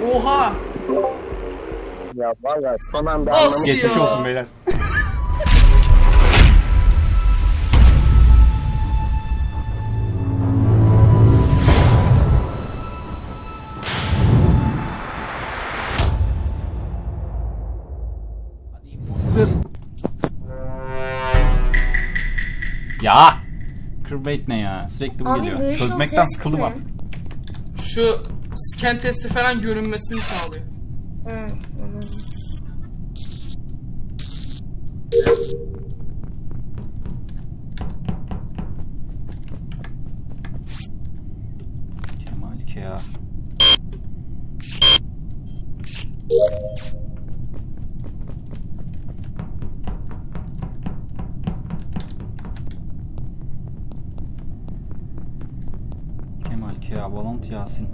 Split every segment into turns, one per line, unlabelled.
Oha!
Ya valla son anda
Of
anlamış.
Geçmiş
ya.
olsun beyler. Hadi imposter. Ya! Crewmate ne ya? Sürekli bu
Abi
geliyor.
visual
Çözmekten
test
sıkıldım
mi?
artık.
Şu scan testi falan görünmesini sağlıyor.
Hı, anladım.
Kemal Kea. Kemal Kea, Valant Yasin.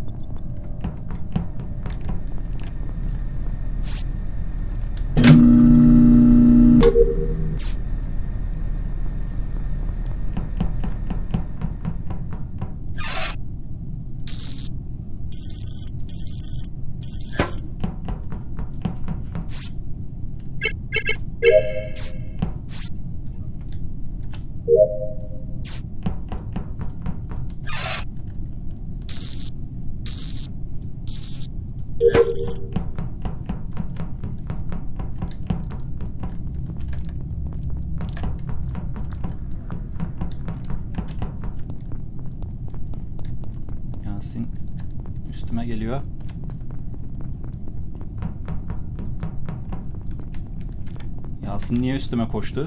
Yasin üstüme geliyor. Yasin niye üstüme koştu?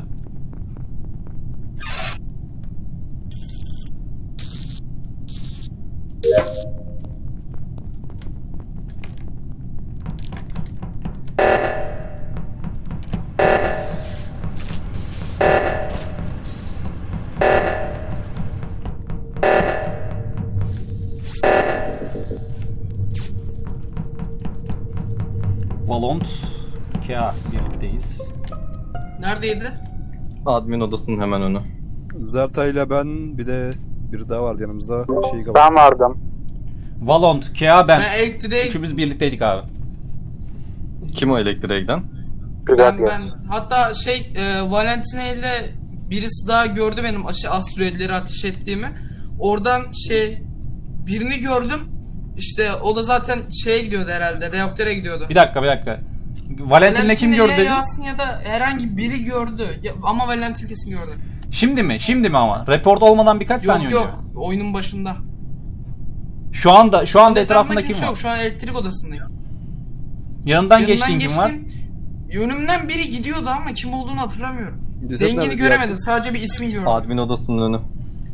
Valont, Kea birlikteyiz.
Neredeydi?
Admin odasının hemen önü.
Zerta ile ben bir de biri daha vardı yanımızda. Şeyi kapat.
Ben vardım.
Valont, Kea ben.
Ben elektriğe...
Üçümüz birlikteydik abi.
Kim o elektriğe giden?
Ben hatta Valentina ile birisi daha gördü benim asteroidleri ateş ettiğimi. Oradan birini gördüm. İşte o da zaten şeye gidiyordu herhalde. Reaktöre gidiyordu.
Bir dakika. Valentin'le kim gördü
ya
dedin?
Yasin ya da herhangi biri gördü. Ama Valentin kesin gördü.
Şimdi mi? Şimdi mi ama? Report olmadan birkaç saniye
Yok
önce.
yok. Oyunun başında.
Şu anda etrafında kim
kimse
var?
yok. Şu an elektrik odasındayım.
Yanından geçtiğin kim var?
Yönümden biri gidiyordu ama kim olduğunu hatırlamıyorum.
Ceset
Rengini
nerede?
göremedim. Sadece bir ismi gördüm.
Admin odasının önü.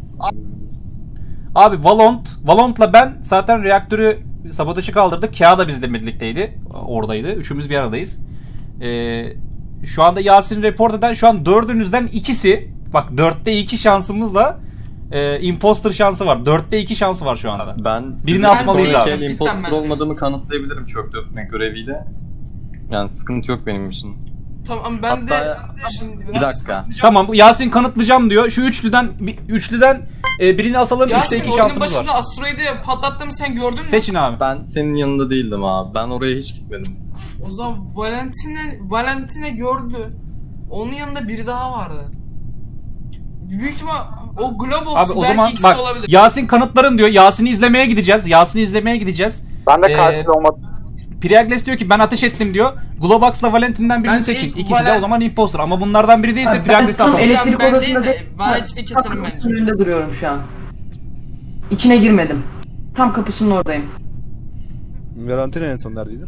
Abi Valont'la ben zaten reaktörü sabotajı kaldırdık. Kea da bizle birlikteydi. Oradaydı. Üçümüz bir aradayız. Şu anda Yasin report eden şu an dördünüzden ikisi. Bak 4'te 2 şansımızla imposter şansı var. 4'te 2 şansı var şu anda.
Ben
Birini asmalıyız
sonraki
abi.
el
Cidden
imposter
ben.
olmadığımı kanıtlayabilirim çöp dökme göreviyle. Yani sıkıntı yok benim için.
Tamam ben
Hatta-
de şimdi
Bir dakika.
Tamam Yasin kanıtlayacağım diyor. Şu üçlüden birini asalım. 3'te
Yasin
2
oyunun
şansımız
başında
var.
asteroidi patlattığımı sen gördün mü?
Seçin abi.
Ben senin yanında değildim abi. Ben oraya hiç gitmedim.
O zaman Valentine gördü. Onun yanında biri daha vardı. Büyük ihtimal o Globox
Abi o
belki
zaman
ikisi
bak
de olabilir.
Yasin kanıtlarım diyor. Yasin'i izlemeye gideceğiz.
Ben de
Ee,
katil olmadım.
Priagles diyor ki ben ateş ettim diyor. Globox'la Valentin'den birini
Bence
seçin.
ilk
İkisi de
Valen-
o zaman imposter. Ama bunlardan biri değilse Priagles'i
tam
atalım.
elektrik
Ben
odasında
değil de Valentine'i keserim bence.
Kapının önünde duruyorum şu an. İçine girmedim. Tam kapısının oradayım.
Valentina en son neredeydi?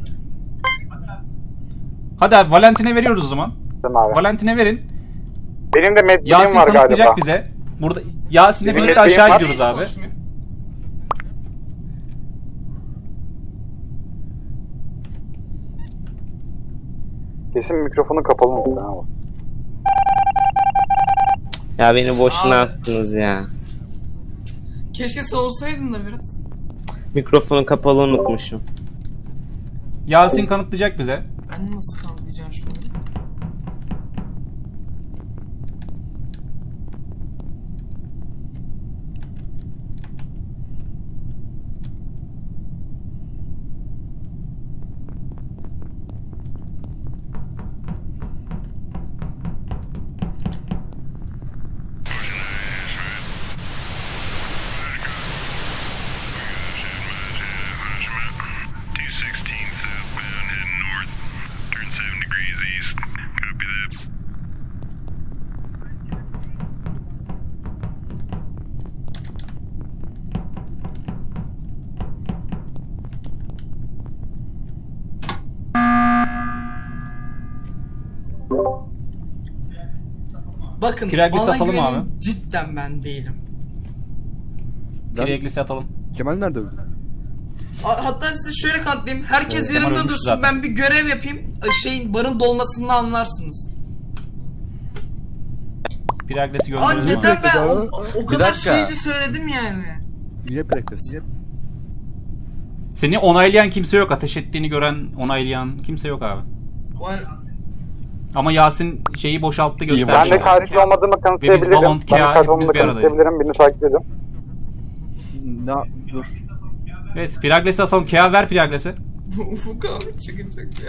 Hadi abi Valentin'e veriyoruz o zaman.
Tamam abi.
Valentin'e verin.
Benim de medbilim
Yasin
var galiba.
kanıtlayacak bize. Burada Yasin'le
Bizim
birlikte
medbilim
aşağı
var.
gidiyoruz
Hiç
abi.
konuşmuyor.
Kesin mikrofonu kapalı mı? Tamam.
Ya beni boşuna
Abi.
astınız ya.
Keşke savunsaydın da biraz.
Mikrofonu kapalı unutmuşum.
Yasin kanıtlayacak bize.
Ben nasıl kanıtlayacağım şunu? Bakın
Kiraglisi
bana
atalım
güvenin,
abi.
cidden ben değilim.
Kiraglisi atalım.
Kemal nerede öldü?
Hatta size şöyle kanıtlayayım. Herkes
Evet, Kemal
yerimde
ölmüş
dursun,
zaten.
ben bir görev yapayım. Şeyin barın dolmasını anlarsınız.
Kiraglisi
Aa
gönderelim abi.
neden ben
abi.
o kadar
dakika.
şeydi söyledim yani.
Yine Prekles.
Seni onaylayan kimse yok. Ateş ettiğini gören, onaylayan kimse yok abi. Ama Yasin şeyi boşalttı gösterdi.
Ben de katil olmadığımı kanıtlayabilirim.
Valont,
Ben
Kea,
katil olmadığımı
hepimiz bir aradayız.
kanıtlayabilirim. Beni takip edin.
Dur.
Evet, Piraglesi asalım. Kea ver Piraglesi.
Ufuk abi çıkacak ya.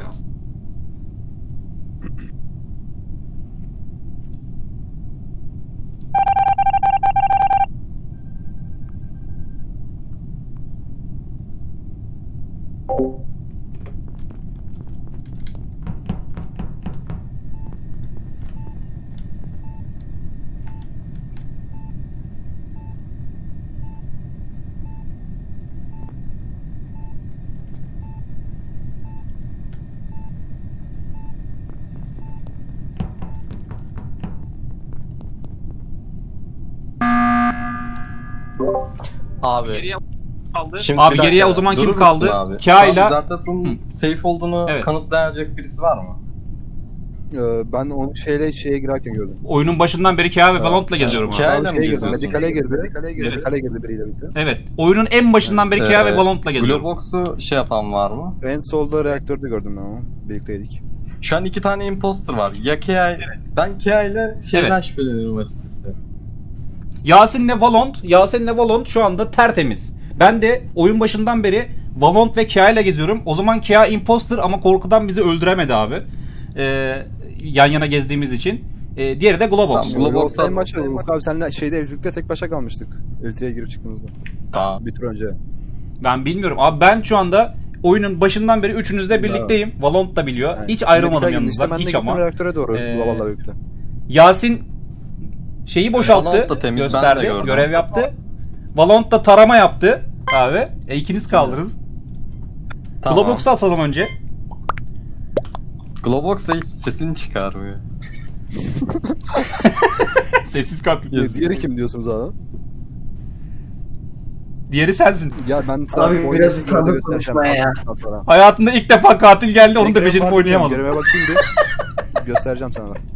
Abi. Şimdi
Abi
bir dakika,
geriye o zaman kim
durur
kaldı?
musun abi?
Kâ'yla-
Zartap'ın safe olduğunu
Evet.
kanıtlayacak birisi var mı?
Ben onu şeye girerken gördüm.
Oyunun başından beri Kea ve Valorant'la geziyorum abi.
Kea-
Abi
mi
şeye girdi.
geziyorsun?
Medikale girdi biriyle birlikte.
Evet. Oyunun en başından beri Kea ve Valorant'la geziyorum.
Globox'u şey yapan var mı?
En solda reaktörde gördüm ben onu. Birlikteydik.
Şu an 2 tane imposter var. Ya Kea... Ben Kea ile şeyden
Evet.
şüpheleniyorum açıkçası.
Yasin'le Valorant şu anda tertemiz. Ben de oyun başından beri Valorant ve Kea ile geziyorum. O zaman Kea imposter ama korkudan bizi öldüremedi abi. Yan yana gezdiğimiz için. Diğeri de Globox.
Tamam. Globox'tan-
En başta Ufuk abi senle şeyde elektrikte tek başa kalmıştık. Elektriğe girip çıktığımızda.
Tamam.
Bir tur önce.
Ben bilmiyorum. Abi ben şu anda oyunun başından beri üçünüzle birlikteyim. Valorant da biliyor.
Yani
Hiç ayrılmadım
medikale girdi. İşte
yanınızdan.
ben de
Hiç
gittim
ama.
reaktöre doğru.
Ee,
Globalla birlikte.
Yasin şeyi boşalttı,
Valorant da temiz, ben de
gösterdi,
gördüm.
görev yaptı. Valorant da tarama yaptı abi. İkiniz kaldınız.
Tamam.
Globox'u atalım önce.
Globox da hiç sesini çıkarmıyor.
Sessiz kalp.
Diğeri kim diyorsunuz abi?
Diğeri sensin.
Ya ben
Abi biraz utandım konuşmaya ya.
Hayatında ilk defa katil geldi, onu da becerip oynayamadım.
Göreve bakayım bir. Göstereceğim sana da.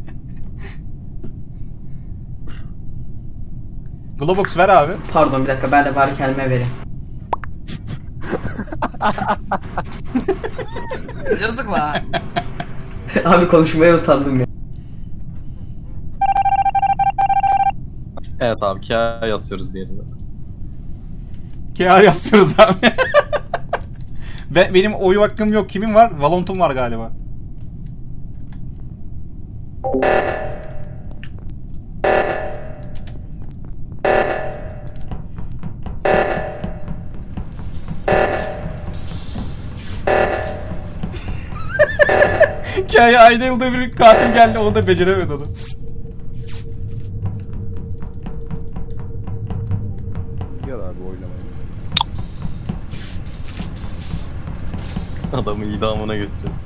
Globox ver abi.
Pardon bir dakika, ben de bari kendime vereyim.
Yazık la.
Abi konuşmaya utandım ya.
Evet abi Kea yazıyoruz diyelim.
Kea yazıyoruz abi. Benim oy hakkım yok. Kimin var? Valorant'um var galiba. Kea'ya ayda yılda bir katil geldi, onu da beceremedi onu.
Gel abi oynamayı.
Adamı idamına götüreceğiz.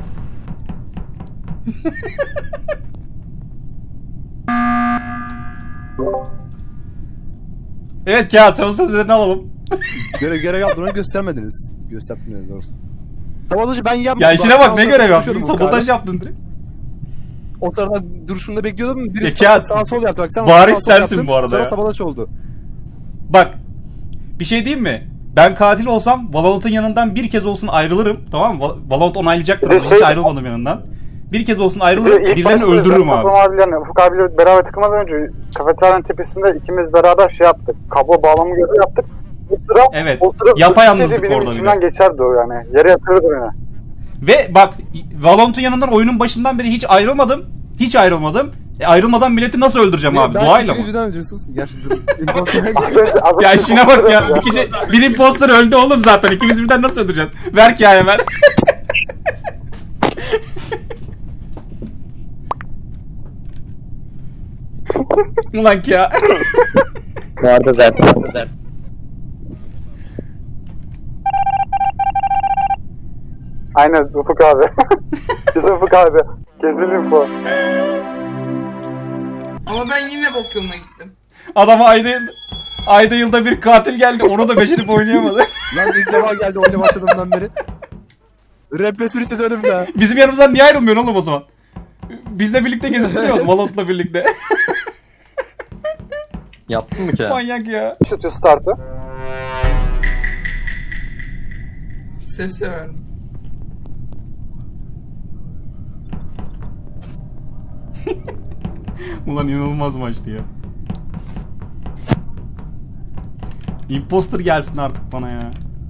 Evet Kea, son sözlerini alalım.
Görev yaptığını göstermediniz. Gösterdiniz doğrusu. Sabotajı ben yapmadım.
Ya işine bak, ne görev yaptın?
Konuşuyordum Ufuk
Sabotaj
abi.
yaptın direkt.
O tarafta duruşunda bekliyordum. Biri
Peki ya,
sağ sol yaptı. Bak sen
bariz
sağ sol
sensin
yaptın,
bu arada
sonra
ya.
sabotaj oldu.
Bak, bir şey diyeyim mi? Ben katil olsam Valorant'ın yanından bir kez olsun ayrılırım. Tamam mı? Valorant onaylayacaktır.
Bir de
Hiç
şey-
ayrılmadım yanından. Bir kez olsun ayrılırım.
İlk
Birilerini
başta
öldürürüm
Zartap
abi.
abilerle, Ufuk abiyle beraber tıkılmadan önce kafeteryanın tepesinde ikimiz beraber şey yaptık. Kablo bağlama görevi yaptık. O sıra,
Evet,
o sıra
yapayalnızlık
benim
orada bir
içimden
de.
geçerdi o yani. Yere yatırırdı beni.
Ve bak, Valorant'ın yanından oyunun başından beri hiç ayrılmadım. Hiç ayrılmadım. Ayrılmadan milleti nasıl öldüreceğim abi? Doğayla mı?
Birden öldürüyorsunuz. Gerçi dur.
Ya işine bak ya. Bir imposter öldü oğlum zaten. İkimiz birden nasıl öldüreceksin? Ver ki ya hemen. Ulan ki ya.
Vardı zaten.
Aynen Ufuk abi. Kesin Ufuk abi. Kesin info.
Ama ben yine bok yoluna gittim.
Adama ayda yılda bir katil geldi. Onu da becerip oynayamadı.
Lan ilk defa geldi oyuna başladığımdan beri. Represör için önümde.
Bizim yanımızdan niye ayrılmıyorsun oğlum o zaman? Bizle birlikte gezip duruyoruz. Valot'la birlikte.
Yaptın mı ki?
Manyak ya.
Shoot start'ı.
Ses de verdim.
Ulan inanılmaz maçtı ya. Imposter gelsin artık bana ya.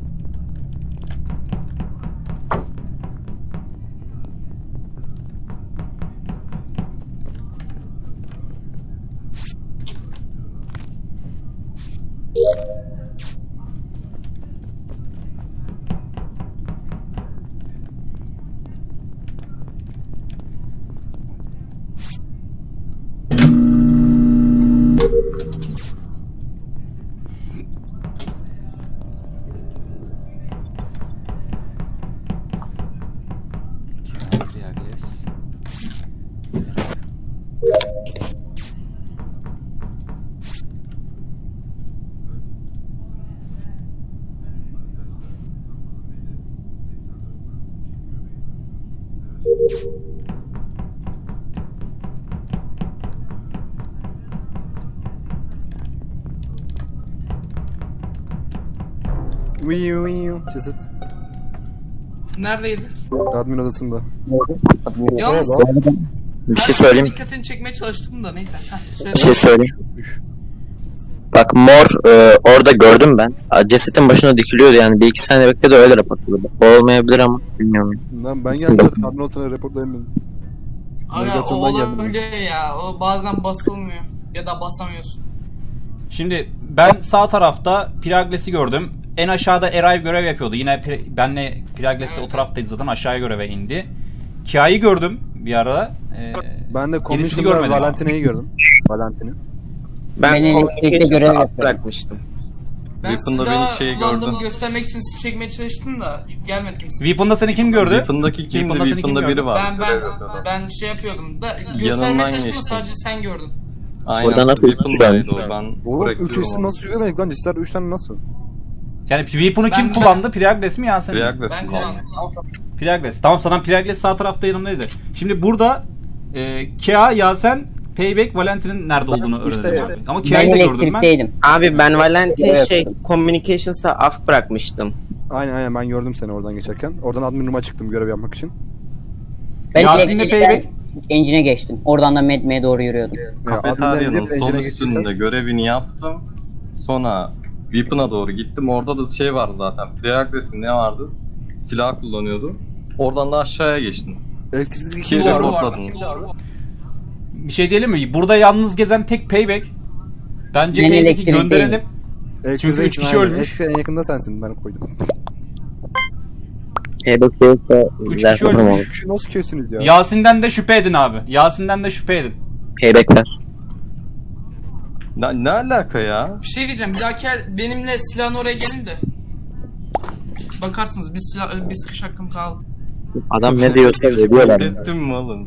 Ceset.
Neredeydi?
Admin odasında.
Yalnız
Bir şey söyleyeyim.
dikkatini çekmeye çalıştım da neyse. Heh, söyle.
Bir şey söyleyeyim. Bak mor orada gördüm ben. Cesetin başına dikiliyordu yani. Bir iki saniye bekledi öyle raporladı. O olmayabilir ama bilmiyorum.
Lan ben geldim. Admin odasına reportlayayım.
Aga o
navigasyondan geldim
olabiliyor ya. O bazen basılmıyor. Ya da basamıyorsun.
Şimdi ben sağ tarafta Piragles'i gördüm. En aşağıda Eray görev yapıyordu. Yine benle Piragles'le o taraftaydı zaten. Aşağıya göreve indi. Kia'yı gördüm bir ara.
Ben de
Gerisini
Commissioner
görmedim ama.
Valentina'yı gördüm. Valentin'i.
Ben
elektrikte görev
bırakmıştım.
Ben
Weapon'da
silah
beni şey
kullandığımı
gördüm.
göstermek için sizi çekmeye çalıştım da gelmedi kimse.
Weapon'da seni kim gördü?
Weapon'daki kimdi?
Weapon'da seni kim
Weapon'da
gördü?
biri var.
Ben şey yapıyordum da
Yanından
göstermeye çalıştım da
geçtim.
sadece sen gördün.
Aynen.
Oradan nasıl
Weapon'daydı o. Ben
Oğlum 3
bırakıyorum
isim
onu.
nasıl yürüyemedik lan? Cisler 3 tane nasıl?
Yani Weapon'u kim
Ben-
kullandı? Piragles mi Yasin?
Triagles
Ben
kullandım.
kullandım.
Piragles. Tamam sana Piragles sağ tarafta yanımdaydı. Şimdi burada Kea, Yasen, Payback, Valentin'in nerede olduğunu
işte
öğrendim.
evet.
Abi. Ama
Ben
Kea'yı da gördüm ben.
elektrikteydim.
Abi ben Valentin
Evet.
Communications'ta af bırakmıştım.
Aynen ben gördüm seni oradan geçerken. Oradan admin room'a çıktım görev yapmak için.
Ben
Yasin'le
elektrikten
Payback.
engine'e geçtim. Oradan da Medme'ye doğru yürüyordum.
Kafeteryanın sol
engine'e
üstünde
geçtiysek-
görevini yaptım. Sonra Weapon'a doğru gittim. Orada da şey vardı zaten. Triagles mi ne vardı? Silah kullanıyordu. Oradan da aşağıya geçtim.
Elektrikli
Ki
Doğru var.
reportladınız.
Bir şey diyelim mi? Burada yalnız gezen tek Payback. Bence
Ben
Payback'i
elektrikteyim.
gönderelim.
Elektrikli
Çünkü üç kişi
aynen.
ölmüş.
Elektrikli en yakında sensin ben koydum.
Payback değilse
Üç
güzel
kişi
sanırım
ölmüş.
olur.
Şu nasıl kesiyorsunuz ya?
Yasin'den de şüphe edin abi. Yasin'den de şüphe edin.
Payback'ler.
Ne alaka ya?
Bir şey diyeceğim. Bir dahaki el benimle silahın oraya gelin de. Bakarsınız bir sıkış hakkım kaldı.
Adam ne diyorsa veriyorlar.
Ettim mi oğlum?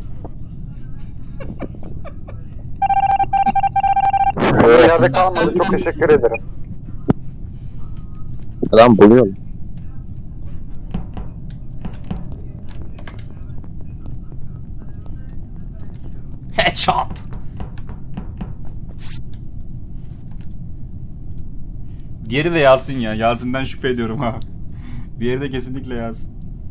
Bir yerde kalmadı. Çok teşekkür ederim.
Adam buluyor.
Headshot. Diğeri de Yasin ya. Yasin'den şüphe ediyorum ha. Diğeri de kesinlikle Yasin.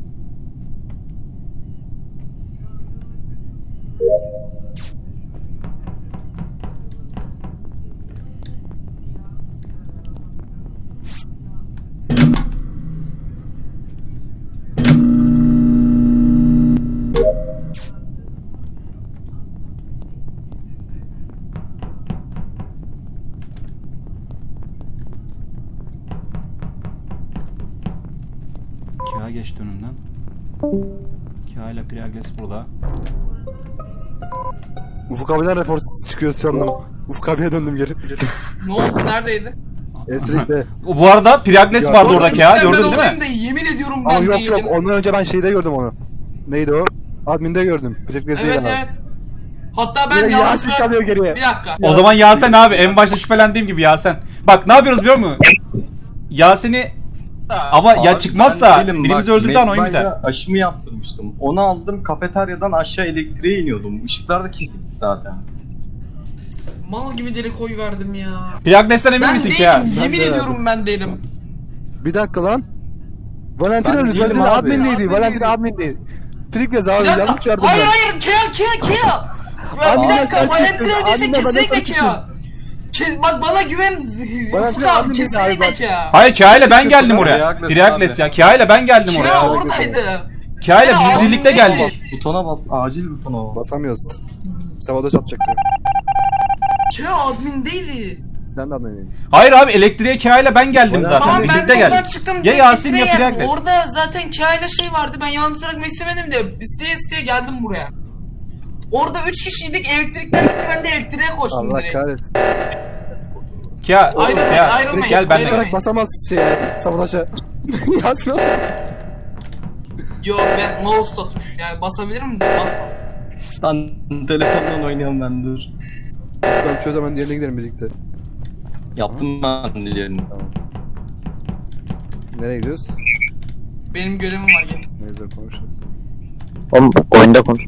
Kea geçti önümden. Kea ile Piragles burada.
Ufuk abiden rapor çıkıyor sandım. Ufuk abiye döndüm geri.
Ne oldu? Neredeydi?
Elektrikte.
Bu arada Piragles
Ya,
vardı
doğru,
orada
Cidden
Kea.
ben
Gördün değil
oradayım
mi?
da yemin ediyorum
Ama
ben
yok
değilim.
ondan önce ben şeyde gördüm onu. Neydi o? Admin'de gördüm. Elektrikte
Evet evet. Hatta ben
Yine
yalnız
Yasin kalıyor geriye.
Bir dakika.
O zaman Yasen abi en başta şüphelendiğim gibi Yasen. Bak ne yapıyoruz biliyor musun? Yasen'i ama ya
Abi
çıkmazsa
ben değilim,
birimizi
bak,
öldürdükten oyun biter.
Medbay'da aşımı yaptırmıştım. Onu aldım, kafeteryadan aşağı elektriğe iniyordum. Işıklar da kesikti zaten.
Mal gibi deli koy verdim ya.
Triagles'ten emin
Ben
misin
değilim.
ki ya?
Yemin
de
ediyorum ben değilim.
Bir dakika lan. Valentin
Ben
öldü.
değilim
Valentin
abi.
adminliydi. Valentin adminiydi. Priklez abi
Bir dakika.
yanlış yardım
Hayır
ben.
hayır Kia. Ya bir
Admin'e
dakika
sen
Valentin
çıktın.
öldüyse
Admin'e bana
kesinlikle
sen
Kia. Bak bana güven.
Valentin
Ufuk abi
admin değil abi,
kesinlikle
bak.
Kia.
Hayır Kia ile ben geldim
Triagles
oraya.
abi.
Triagles ya. Kia ile ben geldim
Kia
oraya.
oradaydı.
Kia ile
Ya,
biz birlikte
admin
geldik.
değil.
Butona bas, acil butona bas.
Basamıyoruz. Sabotaj atacaktı.
Kia admindeydi.
Sen de adminliydin.
Hayır abi elektriğe Kia ile ben geldim
Tamam,
zaten.
Tamam ben
Birlikte
oradan
geldik.
çıktım.
Ya
direkt
Yasin ya
elektriğe geldim.
Triagles.
Orada zaten Kia ile şey vardı. Ben yalnız bırakmak istemedim de isteye geldim buraya. Orada 3 kişiydik. Elektrikler gitti. Ben de elektriğe koştum
Allah
direkt.
kahretsin.
Kia,
Ayrılmayın.
gel ben de.
Basarak basamaz sabotaja. Yasin nasıl?
Yo ben mouse'la tuş. Yani basabilirim de basmam.
Lan telefondan oynayan ben dur.
Ben çözemem diğerine gidelim birlikte.
Yaptım ben diğerini.
Nereye gidiyoruz?
Benim görevim var gene.
Neyse konuşalım.
Oğlum oyunda konuş.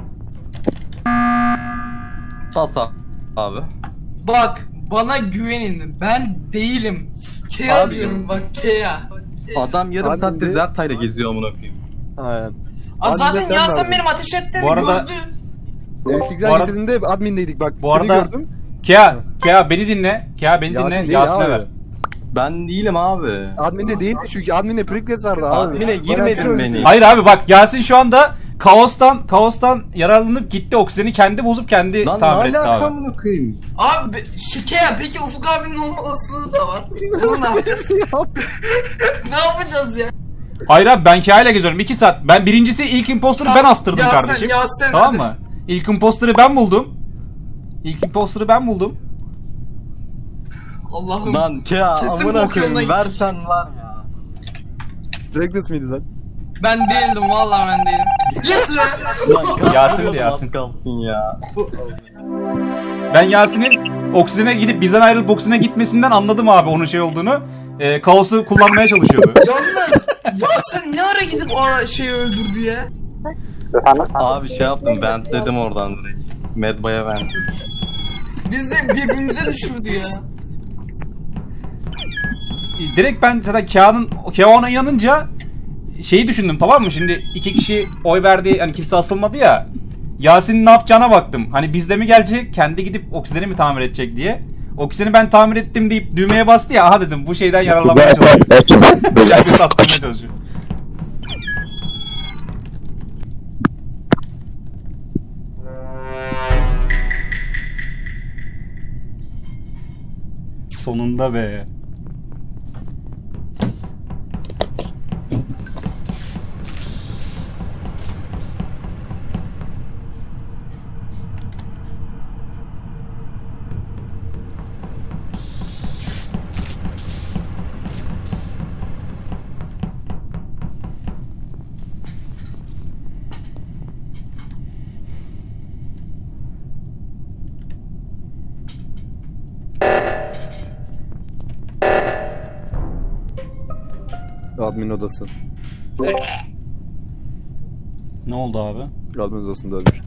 Bas abi.
Bak bana güvenin. Ben değilim. Kea
Abi
diyorum
canım.
bak Kea.
Adam yarım
Abi
saattir
de-
Zerta'yla geziyor amına koyayım.
Aynen.
Zaten
sen
Yasin
verdin.
benim ateş ettiğimi
Bu arada-
gördü.
Elektrikler
Bu arada-
kesildiğinde admindeydik bak.
Bu
seni
arada-
gördüm.
Kia beni dinle. Kia beni dinle.
değil
Yasin'e
abi.
ver.
Ben değilim abi.
Adminde değildi çünkü adminde Priklez vardı abi.
Admine girmedin
Valentin
beni.
öldü.
Hayır abi bak Yasin şu anda kaostan yararlanıp gitti. Oksijeni kendi bozup kendi
Lan ne
tamir etti
alaka
abi.
amına koyayım?
Abi Kea peki Ufuk abinin olma olasılığı da var. Bunu ne yapacağız? Ne yapacağız ya?
Hayır abi ben Kia ile geziyorum 2 saat. Ben birincisi ilk imposter'ı ben astırdım
Yasin,
kardeşim.
Yasin,
Tamam
hadi.
mı? İlk imposter'ı ben buldum.
Allah'ım.
Lan Kea
Kesin
amına
bok yoluna
koyayım
gittik.
versen var ya.
Priklez miydi lan?
Ben değildim vallahi ben değilim. Yes be.
Yasin'di Yasin.
Az kalsın ya.
Ben Yasin'in oksijene gidip bizden ayrılıp oksijene gitmesinden anladım abi onun şey olduğunu. Kaosu kullanmaya çalışıyordu.
Yalnız Yasin ne ara gidip o şeyi öldürdü ya?
Efendim?
Abi şey yaptım ventledim oradan direkt. Medbay'a ventledim.
Biz de birbirimize düşürdü ya.
Direkt ben zaten Kia ona inanınca şeyi düşündüm tamam mı? Şimdi 2 kişi oy verdi hani kimse asılmadı ya. Yasin'in ne yapacağına baktım. Hani bizde mi gelecek kendi gidip oksijeni mi tamir edecek diye. Oksijeni ben tamir ettim deyip düğmeye bastı ya. Aha dedim bu şeyden yararlanmaya çalışıyor. Kendini satmaya çalışıyor. Sonunda be.
Admin odası.
Ne oldu abi?
Admin odasında ölmüş.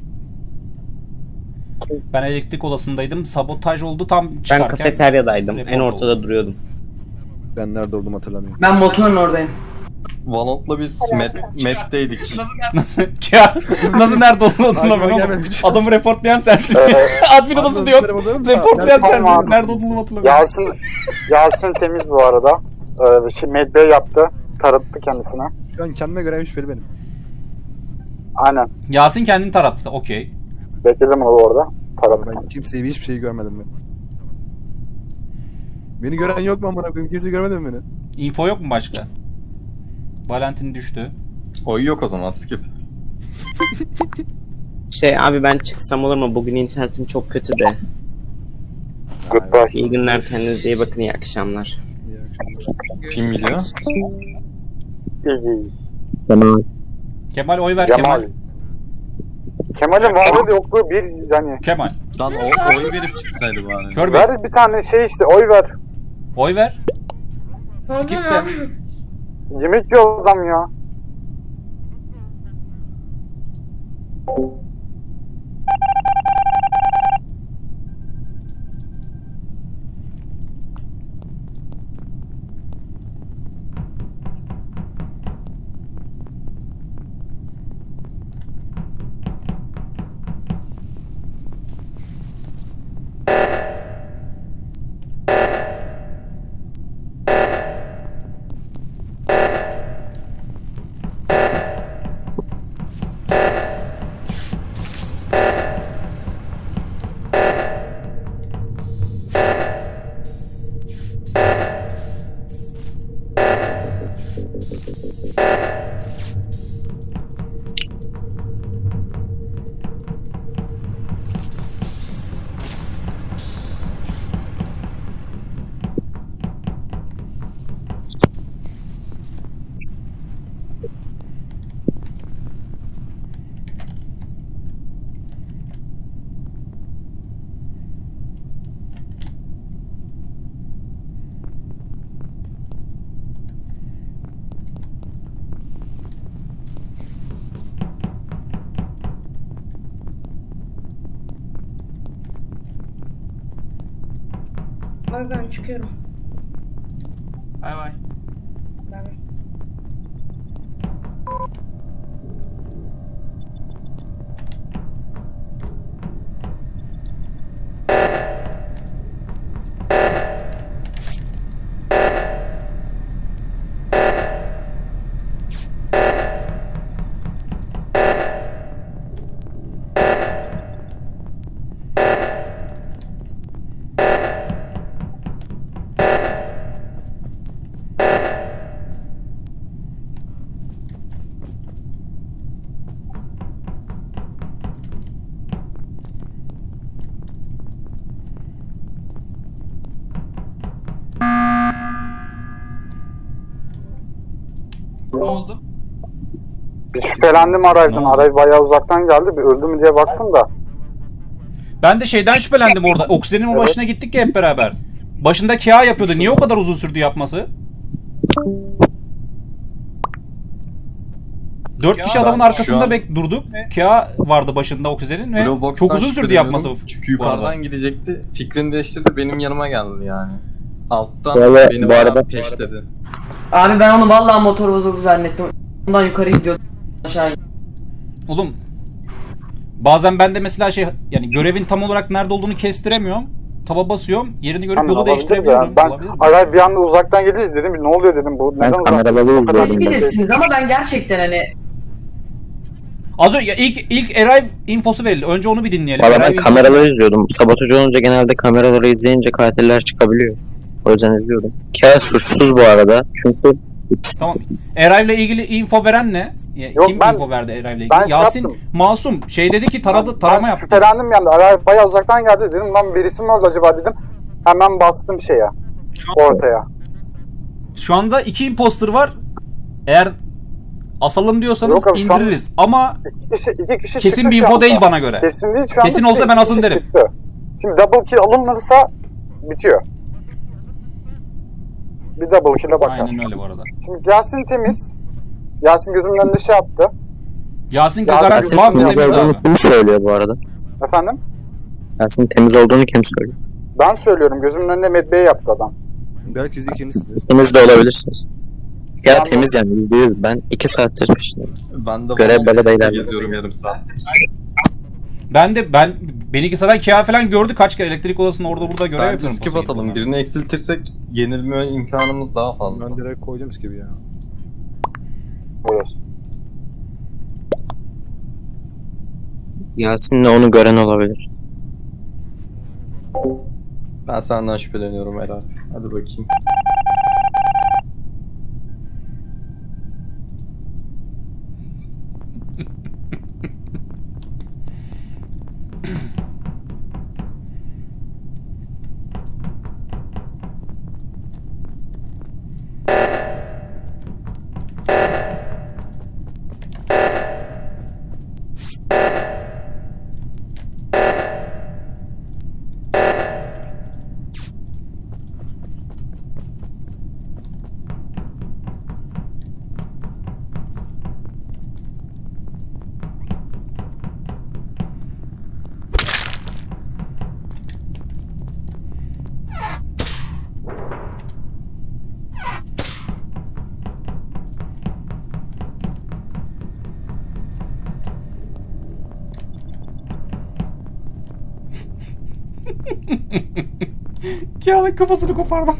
Ben elektrik odasındaydım. Sabotaj oldu tam
Ben
çıkarken.
kafeteryadaydım. En
report
ortada
oldu.
duruyordum.
Ben nerede olduğumu hatırlamıyorum.
Ben motorun oradayım.
Valorant'la biz map'teydik.
Nasıl nerede olduğunu hatırlamıyorum ama
gelmemiş.
adamı reportlayan sensin. Admin odası
Admin
diyor.
odası
Reportlayan
Tamam
sensin.
abi.
Nerede olduğunu hatırlamıyorum.
Yasin temiz bu arada. Medbay yaptı. Tarattı kendisine.
Şu an kendime göre şüpheli benim.
Aynen.
Yasin kendini tarattı. Okey.
Bekledim onu orada. Tarattı.
Ben kimseyi hiçbir şey görmedim ben. Beni gören yok mu amına koyayım? Kimse görmedi mi beni?
Info yok mu başka? Valentin düştü.
Oy yok o zaman skip.
Abi ben çıksam olur mu? Bugün internetim çok kötü de.
Goodbye.
İyi günler, kendinize iyi bakın, iyi akşamlar.
İyi akşamlar.
Kim biliyor?
İyi.
Tamam.
Kemal oy ver
Cemal.
Kemal.
Kemal'in varlığı yokluğu bir yani.
Kemal.
Lan oy verip çıksaydı bari.
Kör Bey.
Ver bir tane şey işte oy ver.
Oy ver.
Pardon
Skip de.
abi.
Yemek yiyor adam ya.
Abi ben çıkıyorum.
Bay bay.
Ben...
Ne oldu?
Bir şüphelendim Aray'dan.
Ne oldu?
Aray bayağı uzaktan geldi. Bir öldü mü diye baktım da.
Ben de şeyden şüphelendim orada. Oksijenin o başına gittik ya hep beraber. Başında Kia yapıyordu. Niye o kadar uzun sürdü yapması? 4 kişi adamın
Ben
arkasında
şu an-
durduk. Kia vardı başında oksijenin ve
Blue Box'tan
çok uzun sürdü
şüpheleniyorum.
yapması.
Çünkü
bu arada.
yukarıdan gidecekti. Fikrini değiştirdi. Benim yanıma geldi yani. Alttan
Vallahi
beni
bu
bayağı
arada-
peşledi.
Abi ben onu vallahi motor bozuldu zannettim. Ondan yukarı gidiyordum aşağı.
Oğlum bazen ben de mesela şey yani görevin tam olarak nerede olduğunu kestiremiyorum. Taba basıyorum. Yerini görüp
Hani
yolu
olabilir
değiştirebiliyorum.
ya. Ben
Olabilir mi?
Aray bir anda uzaktan gelince dedim ne oluyor dedim bu.
Ben
Neden uzak?
kameraları
O kadar
Siz
izliyordum.
bilirsiniz ama ben gerçekten hani
Az önce ilk Arrive infosu verildi. Önce onu bir dinleyelim.
Valla ben
Arrive infosu-
kameraları izliyordum. Sabotaj olunca genelde kameraları izleyince katiller çıkabiliyor. O yüzden izliyordum. Kia suçsuz bu arada. Çünkü
Tamam. Arrive'le ilgili info veren ne?
Yok,
Kim
ben-
info verdi Arrive'le ilgili?
ben şey
Yasin
yaptım.
Masum şey dedi ki tarama
Ben
yaptı.
şüphelendim yani. Aray bayağı uzaktan geldi dedim lan birisi mi öldü acaba dedim. Hemen bastım şeye. Ortaya.
Şu anda 2 imposter var. Eğer asalım diyorsanız
Yok abi, şu an-
indiririz. Ama
İki kişi
kesin
çıktı
bir
şu
info
anda.
değil bana göre.
Kesin değil şu anda.
Kesin olsa
iki
ben asın
kişi
derim.
çıktı. Şimdi double kill alınırsa bitiyor. Bir double kill'e bakar.
Aynen öyle bu arada.
Şimdi Yasin temiz. Yasin gözümün önünde şey yaptı.
Yasin
Yasin
garanti
Yasin
var mı
temiz
temiz
olduğunu
abi?
kim söylüyor bu arada?
Efendim?
Yasin temiz olduğunu kim söylüyor?
Ben söylüyorum. Gözümün önünde medbeyi yaptı adam.
Belki siz ikinizsiniz.
Temiz de olabilirsiniz. Ya
Ben-
temiz yani %100. Ben 2 saattir peşindeyim.
Ben de
Görev böyle
vallahi
beyler.
geziyorum yarım saat.
Beni zaten Kia falan gördü kaç kere elektrik odasında orada burada görev
Bence
yapıyorum.
skip
posa
atalım.
gidip
Birini eksiltirsek yenilme imkanımız daha fazla.
Ben direkt koydum gibi ya.
Buyur.
Yasin'le onu gören olabilir.
Ben senden şüpheleniyorum Eray. Hadi bakayım.
Kia'nın kafasını kopardım.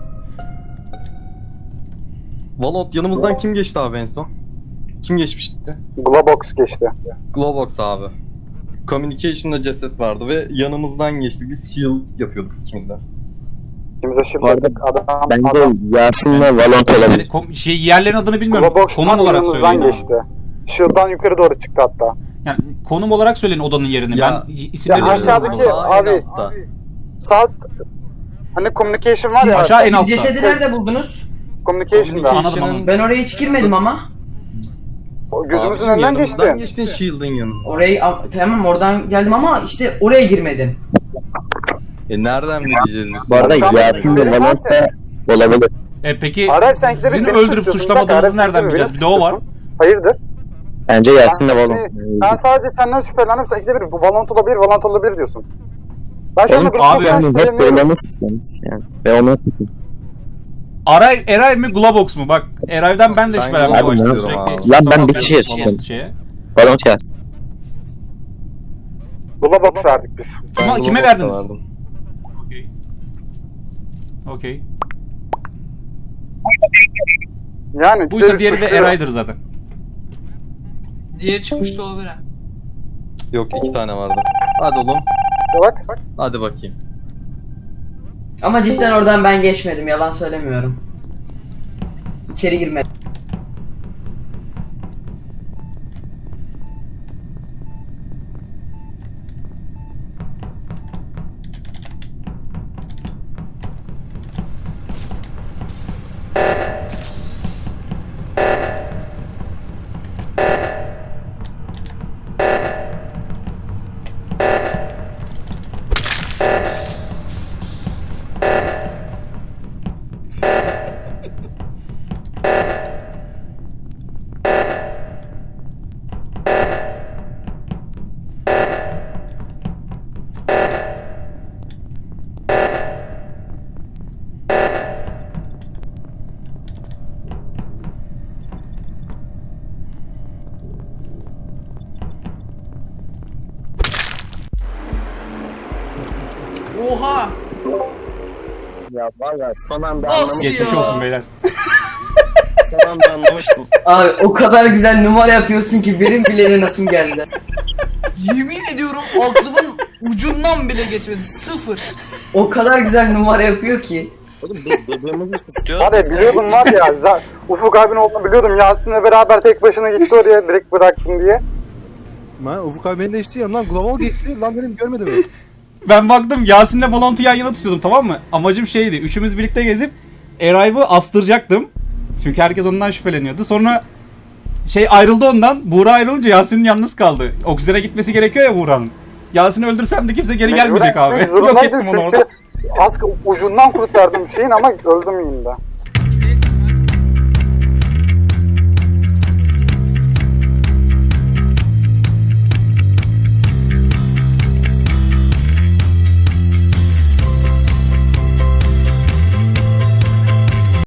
Valot yanımızdan kim geçti abi en son? Kim geçmişti?
Globox geçti.
Globox abi. Communication'da ceset vardı ve yanımızdan geçti. Biz shield yapıyorduk ikimiz de.
İkimize shield
Bu arada
attık. Adam
Bence Yasin'le Valont olabilir.
Yani yerlerin adını bilmiyorum.
Globox'tan
Konum olarak
yanımızdan
söyleyin.
geçti. Shield'dan yukarı doğru çıktı hatta.
Yani konum olarak söyleyin odanın yerini.
Ya-
Ben isimleri
Ya
bilmiyorum.
aşağıdaki-
Sağ en
abi-
altta.
Saat hani communication var ya.
Aşağı en altta.
Cesedi nerede buldunuz?
Communication'da.
Anladım, anladım.
Ben oraya hiç girmedim ama.
O gözümüzün
Abicim,
önünden
yanımızdan
geçti.
geçtin shield'ın yanına.
Orayı tamam oradan geldim ama işte oraya girmedim.
Nereden bileceğiz biz?
Bu arada
Şu an
Yasin
benim
ve Valont da olabilir.
Peki
Arap sen
sizin
beni
öldürüp
suçluyorsun.
suçlamadığınızı
Arap sen
nereden
beni
bileceğiz? Bir de o var.
suçluyorsun. Hayırdır?
Bence Yasin'le
Ben
Valont.
sadece senden şüphelendim. Sen ikide bir bu Valont olabilir diyorsun. Ben şu anda
Oğlum
gruptan
abi,
falan
hep
şüpheleniyorum.
böyle suçlamış yani. Ve onu
Eray mi Globox mu? Bak Eray'dan ben de
Ben
şüphelenmeye
Globox
başladım
diyorum
sürekli.
abi.
Lan ben
Tamam,
bir kişiye
Valont
sıçtım.
şeye.
Valont Yasin.
Globox verdik biz.
Ben
Kime
Globox'a
verdiniz?
verdim.
Okey.
Yani
Buysa
ikide bir
diğeri de
suçluyor.
Eray'dır zaten.
Diye çıkmıştı o bire.
Yok 2 tane vardı. Hadi oğlum.
Evet.
Hadi bakayım.
Ama cidden oradan ben geçmedim, yalan söylemiyorum. İçeri girmedim.
Oha!
Ya valla son anda
Nasıl
Geçmiş
ya?
olsun beyler.
Son anda anlamıştım.
Abi o kadar güzel numara yapıyorsun ki benim bile nasıl geldi.
Yemin ediyorum aklımın ucundan bile geçmedi. Sıfır.
O kadar güzel numara yapıyor ki.
Oğlum biz birbirimizi suçluyoruz.
Abi biliyordum var ya. Ufuk abinin olduğunu biliyordum. Yasin'le beraber tek başına gitti oraya. Direkt bıraktım diye.
Ben Ufuk abi beni değişti ya. Lan Global geçti. Lan benim görmedim mi?
Ben baktım Yasin'le Valont'u yan yana tutuyordum, tamam mı? Amacım şeydi. Üçümüz birlikte gezip Eray'ı astıracaktım. Çünkü herkes ondan şüpheleniyordu. Sonra ayrıldı ondan. Buğra ayrılınca Yasin'in yalnız kaldı. Oksijene gitmesi gerekiyor ya Buğra'nın. Yasin'i öldürsem de kimse geri gelmeyecek abi. Yok ettim onu orada.
Az ucundan kurtardım şeyin ama öldüm yine de.